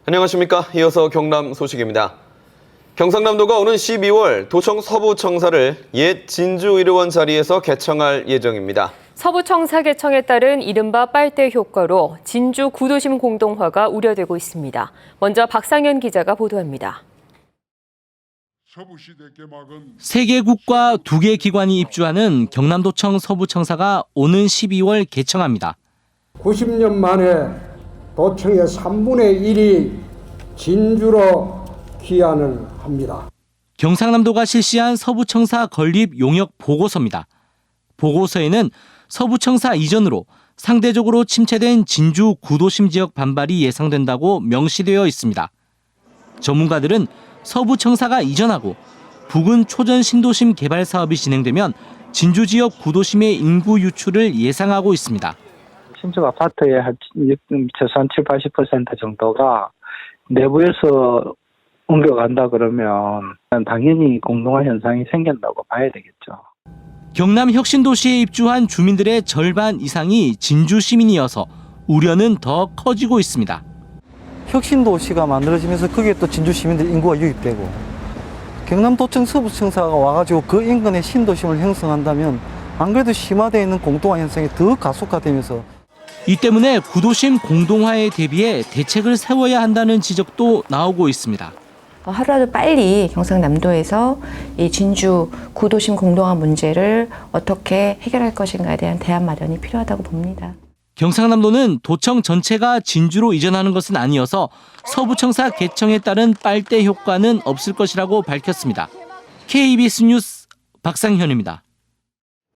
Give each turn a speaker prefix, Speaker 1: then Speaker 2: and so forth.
Speaker 1: 안녕하십니까. 이어서 경남 소식입니다. 경상남도가 오는 12월 도청 서부청사를 옛 진주의료원 자리에서 개청할 예정입니다.
Speaker 2: 서부청사 개청에 따른 이른바 빨대 효과로 진주 구도심 공동화가 우려되고 있습니다. 먼저 박상현 기자가 보도합니다.
Speaker 3: 세 개 국과 2개 기관이 입주하는 경남도청 서부청사가 오는 12월 개청합니다.
Speaker 4: 90년 만에 도청의 3분의 1이 진주로 귀환을 합니다.
Speaker 3: 경상남도가 실시한 서부청사 건립 용역 보고서입니다. 보고서에는 서부청사 이전으로 상대적으로 침체된 진주 구도심 지역 반발이 예상된다고 명시되어 있습니다. 전문가들은 서부청사가 이전하고 부근 초전 신도심 개발 사업이 진행되면 진주 지역 구도심의 인구 유출을 예상하고 있습니다.
Speaker 5: 신축 아파트의 최소한 70-80% 정도가 내부에서 옮겨간다 그러면 당연히 공동화 현상이 생긴다고 봐야 되겠죠.
Speaker 3: 경남 혁신도시에 입주한 주민들의 절반 이상이 진주 시민이어서 우려는 더 커지고 있습니다.
Speaker 6: 혁신도시가 만들어지면서 거기에 또 진주 시민들 인구가 유입되고 경남도청 서부청사가 와가지고 그 인근에 신도심을 형성한다면 안 그래도 심화되어 있는 공동화 현상이 더 가속화되면서
Speaker 3: 이 때문에 구도심 공동화에 대비해 대책을 세워야 한다는 지적도 나오고 있습니다.
Speaker 7: 하루라도 빨리 경상남도에서 이 진주 구도심 공동화 문제를 어떻게 해결할 것인가에 대한 대안 마련이 필요하다고 봅니다.
Speaker 3: 경상남도는 도청 전체가 진주로 이전하는 것은 아니어서 서부청사 개청에 따른 빨대 효과는 없을 것이라고 밝혔습니다. KBS 뉴스 박상현입니다.